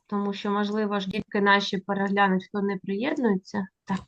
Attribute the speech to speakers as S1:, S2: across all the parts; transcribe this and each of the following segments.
S1: тому що, можливо, ж дітки наші переглянуть, хто не приєднується. Так.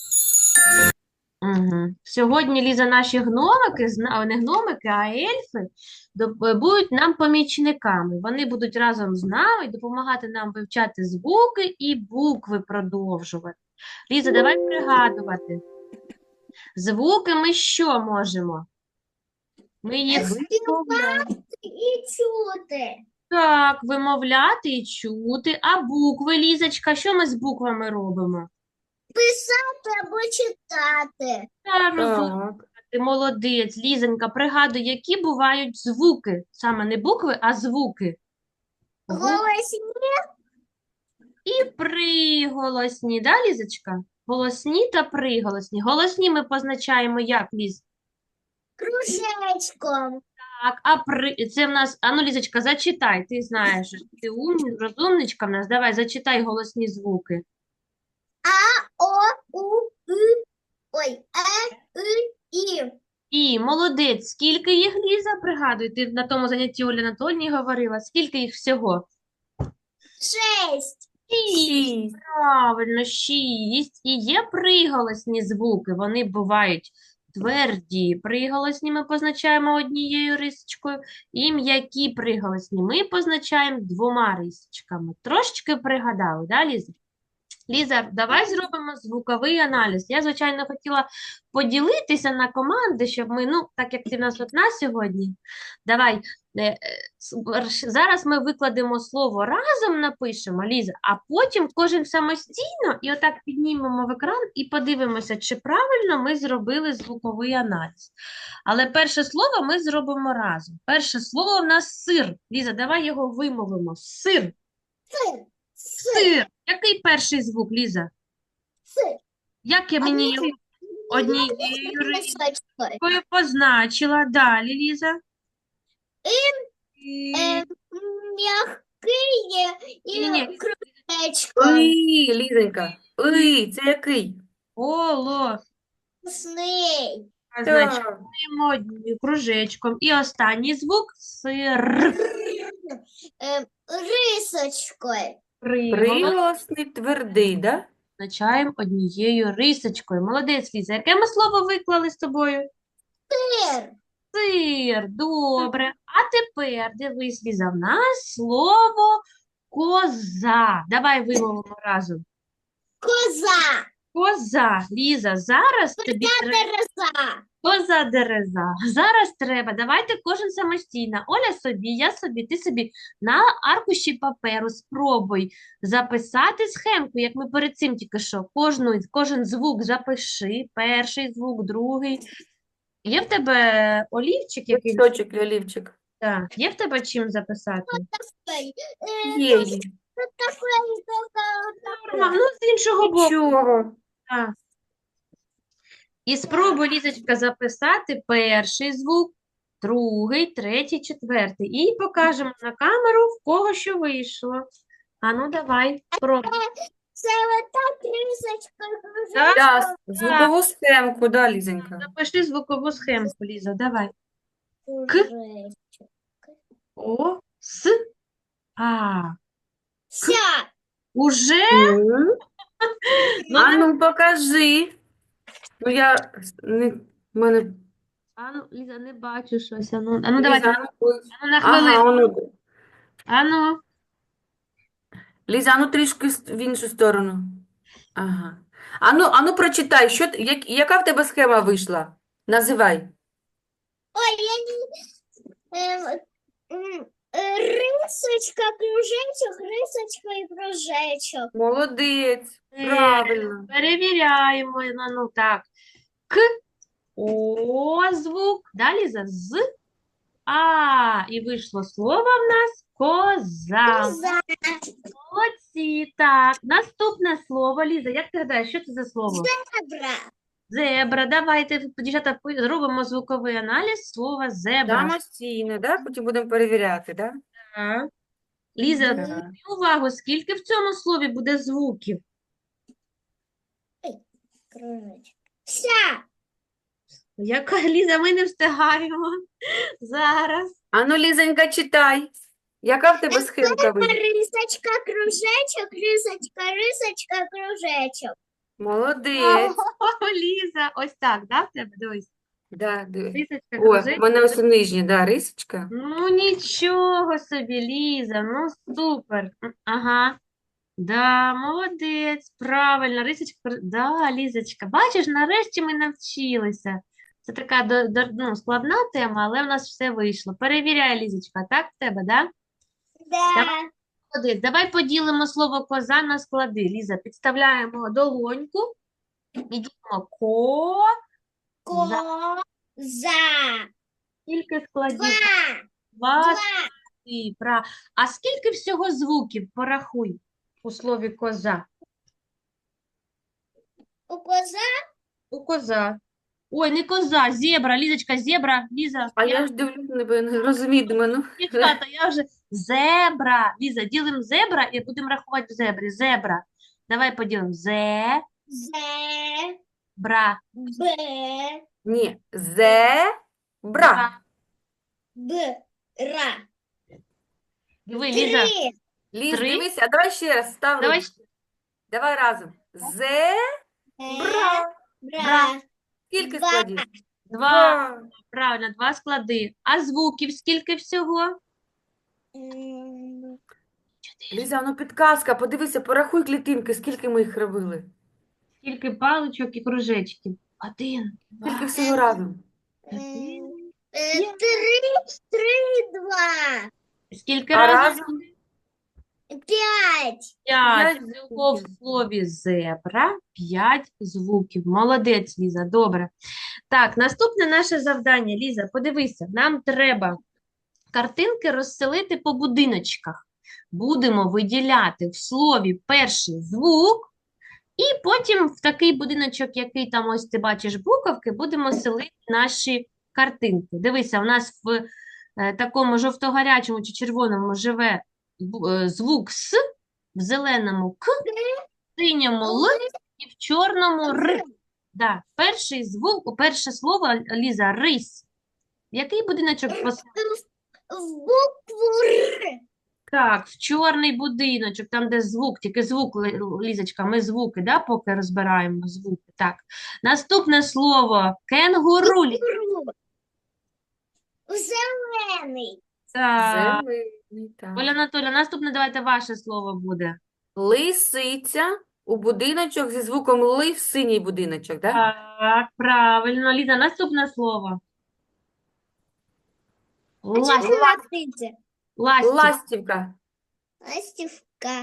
S1: Угу. Сьогодні, Ліза, наші гномики, не гномики, а ельфи, будуть нам помічниками. Вони будуть разом з нами допомагати нам вивчати звуки і букви продовжувати. Ліза, давай пригадувати. Звуки ми що можемо? Ми їх
S2: Співати і чути.
S1: так, вимовляти і чути. А букви, Лізочка, що ми з буквами робимо?
S2: Писати або читати.
S1: Так, розумно.
S3: Так.
S1: Ти молодець, Лізонька, пригадуй, які бувають звуки. Саме не букви, а звуки.
S2: Голосні
S1: І приголосні, да, Лізочка? Голосні та приголосні. Голосні ми позначаємо як, Ліз?
S2: кружечком.
S1: Так, це в нас, ну, Лізочка, зачитай, ти знаєш, ти розумничка в нас, давай, зачитай голосні звуки.
S2: О, У, И. Ой, І.
S1: І, молодець, скільки їх, Ліза, пригадуй, ти на тому занятті Олі Анатольні говорила, скільки їх всього?
S2: 6.
S3: Шість.
S1: Правильно, 6. І є приголосні звуки, вони бувають тверді приголосні, ми позначаємо однією рисочкою, і м'які приголосні ми позначаємо 2 рисочками. Трошечки пригадали, да, Ліза? Ліза, давай зробимо звуковий аналіз. Я, звичайно, хотіла поділитися на команди, щоб ми, ну, так як ти в нас одна сьогодні, давай, зараз ми викладемо слово разом напишемо, Ліза, а потім кожен самостійно і отак піднімемо в екран і подивимося, чи правильно ми зробили звуковий аналіз. Але перше слово ми зробимо разом. Перше слово в нас сир. Ліза, давай його вимовимо. Сир.
S2: Сир.
S1: Сир. Який перший звук, Ліза?
S2: Сир.
S1: Як я мені його однією
S2: Рисочкою.
S1: рисочкою позначила? Далі, Ліза.
S2: М'який
S1: Ні-ні.
S2: і кружечком.
S3: Ой, Лізонька. Ой, це який?
S1: Голосний.
S2: Вкусний.
S3: Так.
S1: Кружечком. І останній звук сир.
S2: Рисочкою.
S3: Приголосний твердий, да?
S1: Позначаємо однією рисочкою. Молодець, Ліза. Яке ми слово виклали з тобою?
S2: Сир.
S1: Сир. Добре. А тепер, дивись, Ліза, в нас слово коза. Давай вимовимо разом.
S2: Коза.
S1: Коза. Ліза, зараз тобі треба.
S2: Тереза.
S1: Коза дереза. Зараз треба. Давайте кожен самостійно. Оля собі, я собі, ти собі на аркуші паперу спробуй записати схемку, як ми перед цим тільки що. Кожен звук запиши. Перший звук, другий. Є в тебе олівчик якийсь?
S3: Листочок, олівчик.
S1: Так. Є в тебе чим записати?
S3: Є.
S2: Тут такое.
S1: Ну, з іншого боку.
S3: Нічого.
S1: Так. І спробуй, Лізочка, записати перший звук, другий, третій, четвертий. І покажемо на камеру, в кого що вийшло. А ну давай, спробуй.
S2: Це отак рисочкою.
S1: Так?
S3: Да, звукову схемку, да, Лізонька.
S1: Запиши звукову схемку, Ліза, давай.
S2: Кружечок.
S1: О, С, А.
S2: Ся.
S1: Уже? Ну,
S3: А ну покажи. Ну я не в мене.
S1: Ліза, не бачу щось. Давай,
S3: Ліза, ой.
S1: на
S3: Ага,
S1: хвилину.
S3: воно.
S1: Ану,
S3: Ліза, ну трішки в іншу сторону. Ага. Ану прочитай, яка в тебе схема вийшла? Називай.
S2: Ой, я не... Рисочка, кружечок, рисочка і кружечок.
S3: Молодець. Правильно.
S1: перевіряємо. Ну так. К, О звук. Далі за З, А. І вийшло слово в нас коза.
S2: Коза.
S1: Молодці. Так, наступне слово. Ліза, як ти гадаєш, що це за слово?
S2: Зебра.
S1: Зебра. Давайте, дівчата, зробимо звуковий аналіз слова зебра.
S3: Самостійно, да? Потім будемо перевіряти, да?
S1: Так. Ліза,
S3: Так.
S1: зверни увагу, скільки в цьому слові буде звуків?
S2: Кружечок. Ся.
S1: Яка, Ліза, ми не встигаємо зараз.
S3: Ану, Лізонька, читай. Яка в тебе схемка вийшла?
S2: Рисочка, кружечок, рисочка, рисочка, кружечок.
S3: Молодець.
S1: О, Ліза, ось так, да, в тебе? Дивись.
S3: Да, диви.
S1: Рисочка,
S3: О, в
S1: кружечок.
S3: мене ось у нижній, да, рисочка.
S1: Ну, нічого собі, Ліза, ну, супер. Ага. Да, молодець, правильно, рисочка, да, Лізочка, бачиш, нарешті ми навчилися. Це така ну, складна тема, але в нас все вийшло. Перевіряй, Лізочка, так в тебе, да? Давай,
S2: Да.
S1: молодець. Давай поділимо слово коза на склади. Ліза, підставляємо долоньку і ділимо
S2: Коза.
S1: Скільки складів?
S2: Два.
S1: Два
S2: Два.
S1: склади. А скільки всього звуків? Порахуй у слові коза.
S2: У коза
S1: У коза. Ой, не коза, зебра, Лізочка, зебра, Ліза.
S3: А я ж дивлюсь, не розумію, думаю, ну.
S1: Дівчата, я вже зебра. Ліза, ділимо зебра і будемо рахувати в зебрі. Зебра. Давай поділимо. Зебра.
S2: Б.
S3: Ні, зебра.
S2: Ра.
S1: Диви, Ліза.
S2: Три.
S3: Ліз,
S1: Три.
S3: дивися, а давай ще раз став
S1: Давай.
S3: ручку. Давай разом. Зебра.
S2: Бра.
S3: Скільки
S2: Два.
S3: складів?
S1: Два. Правильно, два склади. А звуків скільки всього?
S3: Ліза, ну підказка, подивися, порахуй клітинки, скільки ми їх робили.
S1: Скільки паличок і кружечків? Один,
S3: Скільки
S1: два,
S3: всього разом?
S1: один.
S2: Три, два.
S1: Скільки
S3: А
S1: разів?
S3: разом?
S2: П'ять.
S1: П'ять
S3: П'ять
S1: всього в
S3: звуків.
S1: слові зебра, 5 звуків. Молодець, Ліза, добре. Так, наступне наше завдання, Ліза, подивися, нам треба картинки розселити по будиночках. Будемо виділяти в слові перший звук, і потім в такий будиночок, який там ось ти бачиш буковки, будемо селити наші картинки. Дивися, у нас в такому жовто-гарячому чи червоному живе звук С, в зеленому К, в синьому Л і в чорному Р. Да. Перший звук, перше слово, Ліза, рись. Який будиночок посадити?
S2: В букву Р.
S1: Так, в чорний будиночок, там, де звук, тільки звук, Лізочка, ми звуки, да, поки розбираємо звуки. Так. Наступне слово кенгуру.
S2: Зелений.
S1: Так.
S3: Зелений, так.
S1: Оля Анатолія, наступне давайте ваше слово буде.
S3: Лисиця у будиночок зі звуком ли в синій будиночок, так?
S1: Так, правильно. Ліза, наступне слово.
S2: А чого
S1: Ластівка.
S2: ластиться?
S3: Ластівка.
S2: Ластівка.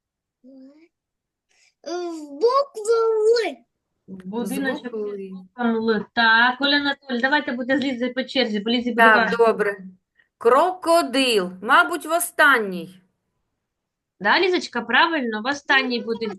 S2: В букву Л.
S1: Будиночок
S3: Звук
S1: зі
S3: ли.
S1: звуком Л. Так, Оля Анатолій, давайте буде з Лізою по черзі, бо Лізі буде
S3: Так,
S1: важко.
S3: добре. Крокодил. Мабуть, в останній.
S1: Да, Лізочка, правильно, в останній будинок.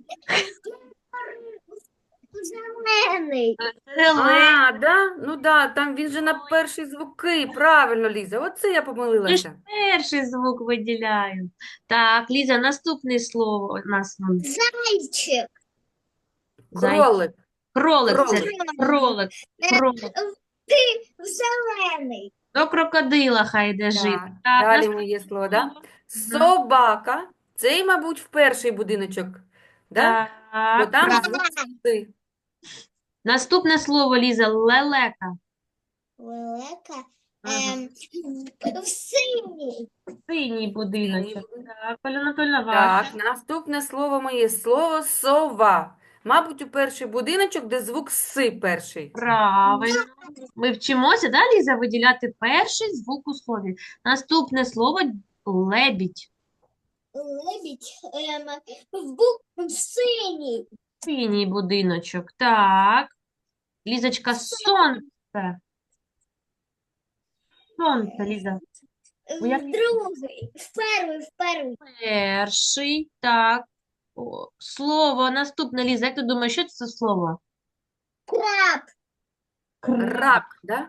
S2: Зелений.
S1: Зелений.
S3: А, да? Ну да, там він же на перші звуки. Правильно, Ліза. Оце я
S1: Ми ж
S3: помилилася.
S1: перший звук виділяємо. Так, Ліза, наступне слово у нас
S2: Зайчик.
S3: Кролик.
S1: кролик. Це
S3: Кролик.
S1: кролик. Кролик.
S2: Ти зелений.
S1: До крокодила хай йде жити.
S3: Так,
S1: Так,
S3: далі
S1: наступне
S3: моє слово, да?
S1: слово.
S3: Собака. Цей, мабуть, в перший будиночок. Да? Бо
S1: Так,
S3: там
S1: правильно.
S3: звук «си».
S1: Наступне слово, Ліза, лелека.
S2: Велика.
S1: Ага.
S2: В синій.
S1: Синій будиночок. Так, Оля Анатольовна,
S3: Так,
S1: ваше.
S3: наступне слово моє слово сова. Мабуть, у перший будиночок, де звук си перший.
S1: Правильно. Ми вчимося, да, Ліза, виділяти перший звук у слові. Наступне слово лебідь.
S2: Лебідь. В синій.
S1: Синій будиночок. Так. Лізочка, сонце. Сонце, Ліза.
S2: В другий. В перший.
S1: Перший. Так. О, слово наступне, Ліза. Як ти думаєш, що це за слово?
S2: Краб.
S3: Рак, да?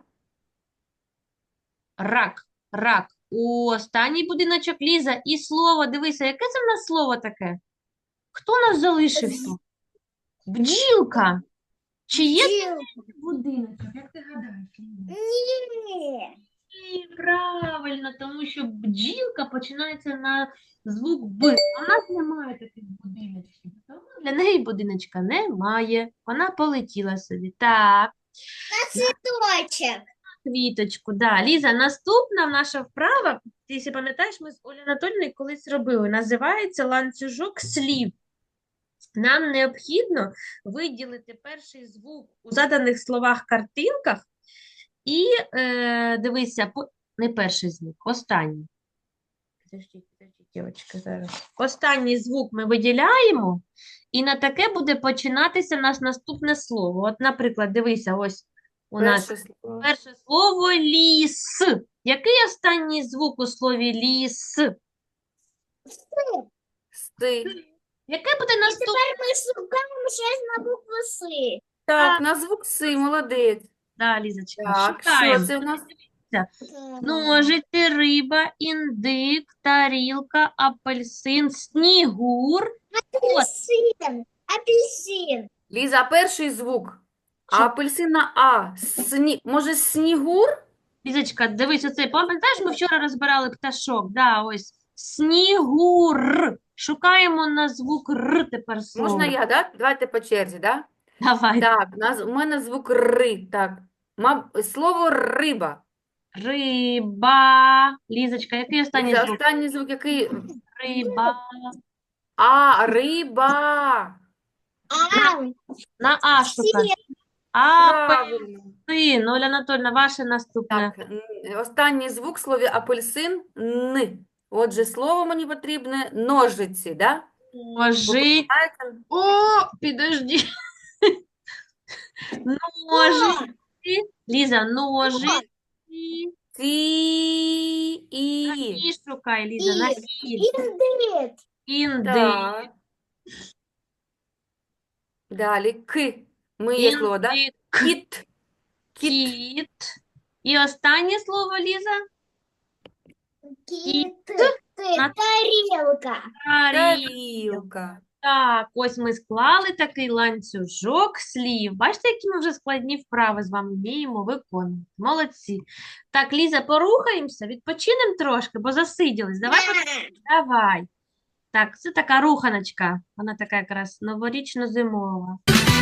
S1: Рак. Рак. У останній будиночок, Ліза. І слово, дивися, яке це в нас слово таке? Хто у нас залишився? Бджілка. Чи є
S2: Бджіл.
S1: будиночок? Як ти гадаєш, Ліза?
S2: Ні.
S1: Ні, правильно, тому що бджілка починається на звук Б. А у нас немає таких будиночків. Тому для неї будиночка немає. Вона полетіла собі. Так,
S2: Цветочек.
S1: квіточку. Да. Ліза, наступна наша вправа, ти якщо пам'ятаєш, ми з Олею Анатольовною колись робили. Називається ланцюжок слів. Нам необхідно виділити перший звук у заданих словах-картинках і дивися, не перший звук, останній. Подождіть, дівчатка, зараз. Останній звук ми виділяємо, і на таке буде починатися наш наступне слово. От, наприклад, дивися, ось у нас
S3: Перше слово.
S1: перше слово ліс. Який останній звук у слові ліс?
S3: Сти.
S1: Яке буде наступне?
S2: Тепер ми шукаємо щось на букву С.
S3: Так, на звук Си, молодець.
S1: Да, Лізочка,
S3: Так, що
S1: шукаємо.
S3: це в нас?
S1: Ножиці, риба, індик, тарілка, апельсин, снігур.
S2: Апельсин. Апельсин.
S3: Ліза, перший звук. А
S1: Що?
S3: апельсин на А. Може, снігур?
S1: Лізочка, дивись, оцей, пам'ятаєш, ми вчора розбирали пташок, да, ось, снігур. Шукаємо на звук Р тепер слово.
S3: Можна я, так? Давайте по черзі, так?
S1: Давай.
S3: Так, у мене звук Ри. Так. Слово риба.
S1: Риба. Лізочка, який останній
S3: Ліза,
S1: звук?
S3: останній звук який?
S1: Риба.
S3: А, риба.
S2: А,
S1: На А шукай.
S3: Правильно.
S1: Апельсин. Оля Анатольовна, ваше наступне.
S3: Так, останній звук в слові апельсин – Н. Отже, слово мені потрібне ножиці, да?
S1: Ножи.
S3: Знаєте?
S1: О, підожди. Ножи. Ліза, ножи.
S3: І.
S1: І шукай, Ліза, на І.
S2: Індик.
S1: Індик.
S3: Так. Далі К. Миє слово, да?
S1: Індик.
S3: Кіт. Кіт.
S1: Кіт. І останнє слово, Ліза.
S2: Кіт.
S1: На-
S2: Тарілка.
S3: Тарілка.
S1: Так, ось ми склали такий ланцюжок слів. Бачите, які ми вже складні вправи з вами вміємо виконувати. Молодці. Так, Ліза, порухаємося, відпочинемо трошки, бо засиділись. Давай. Так, це така руханочка. Вона така якраз новорічно-зимова.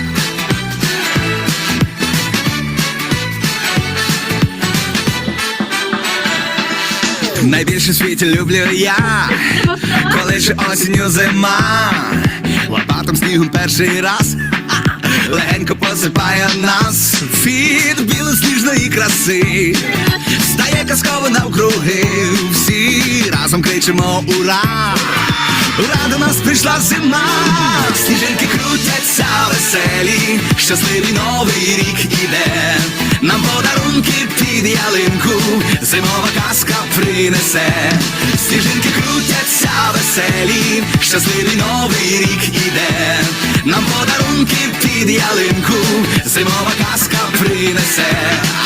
S4: Найбільше в світі люблю я, коли ж осінню зима, лопатом снігом перший раз легенько посипає нас від білосніжної краси, стає казково навкруги, всі разом кричимо ура! Ура, до нас прийшла зима, сніжинки крутяться веселі, щасливий новий рік іде, нам подарунки під ялинку, зимова казка принесе, сніжинки крутяться веселі, щасливий новий рік іде, нам подарунки під ялинку, зимова казка принесе.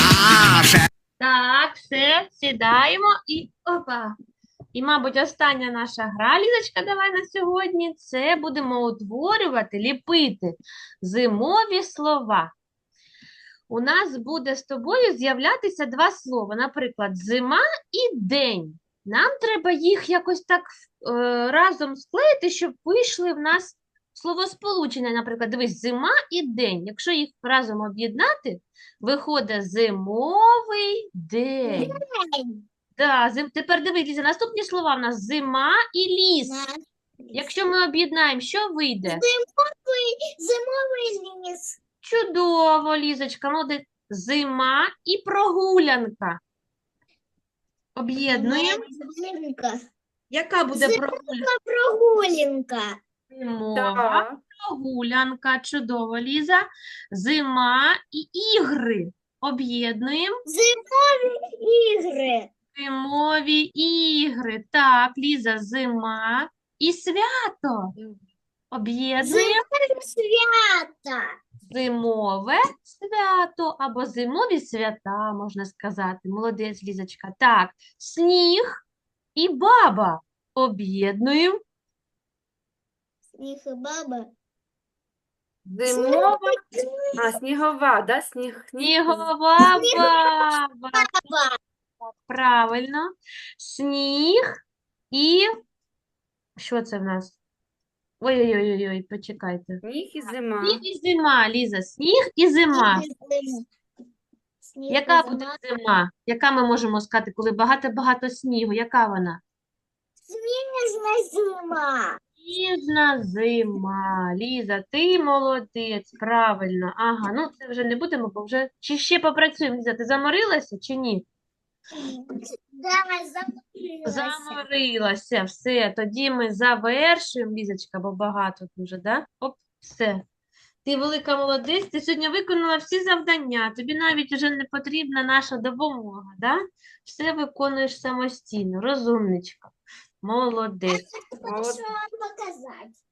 S1: Так, все, сідаємо і опа. І, мабуть, остання наша гра, Лізочка, давай на сьогодні, це будемо утворювати, ліпити зимові слова. У нас буде з тобою з'являтися два слова, наприклад, зима і день. Нам треба їх якось так разом склеїти, щоб вийшли в нас словосполучення. Наприклад, дивись, зима і день. Якщо їх разом об'єднати, виходить зимовий день. Да, тепер дивись, Ліза, наступні слова в нас зима і ліс. Якщо ми об'єднаємо, що вийде?
S2: Зимовий ліс.
S1: Чудово, Лізочка, молодець. Зима і прогулянка. Об'єднуємо.
S2: Прогулянка.
S1: Яка буде прогулянка?
S2: Прогулянка.
S1: Зимова
S3: Так.
S1: прогулянка. Чудово, Ліза. Зима і ігри. Об'єднуємо.
S2: Зимові ігри.
S1: Зимові ігри. Так, Ліза, зима і свято. Об'єднуємо.
S2: Зимові свята.
S1: Зимове свято або зимові свята, можна сказати. Молодець, Лізочка. Так, сніг і баба. Об'єднуємо.
S2: Сніг і баба.
S3: Зимова. Снігова, да?
S1: Снігова баба.
S2: Баба.
S1: Правильно. Сніг і... Що це в нас? Ой-ой-ой, почекайте.
S3: Сніг і зима.
S1: Сніг і зима, Ліза. Сніг і зима.
S2: Сніг
S1: Яка
S2: і
S1: буде
S2: зима.
S1: зима? Яка ми можемо сказати, коли багато-багато снігу? Яка вона?
S2: Сніжна зима.
S1: Сніжна зима. Ліза, ти молодець, правильно. Ага, ну це вже не будемо, бо вже... Чи ще попрацюємо, Ліза, ти заморилася чи ні?
S2: Да, закрилася.
S1: Заморилася, все, тоді ми завершуємо, Лізочка, бо багато дуже, да? Оп, все. Ти велика молодець, ти сьогодні виконала всі завдання, тобі навіть вже не потрібна наша допомога, да? Все виконуєш самостійно, розумничка, молодець.
S2: Хочу вам показати.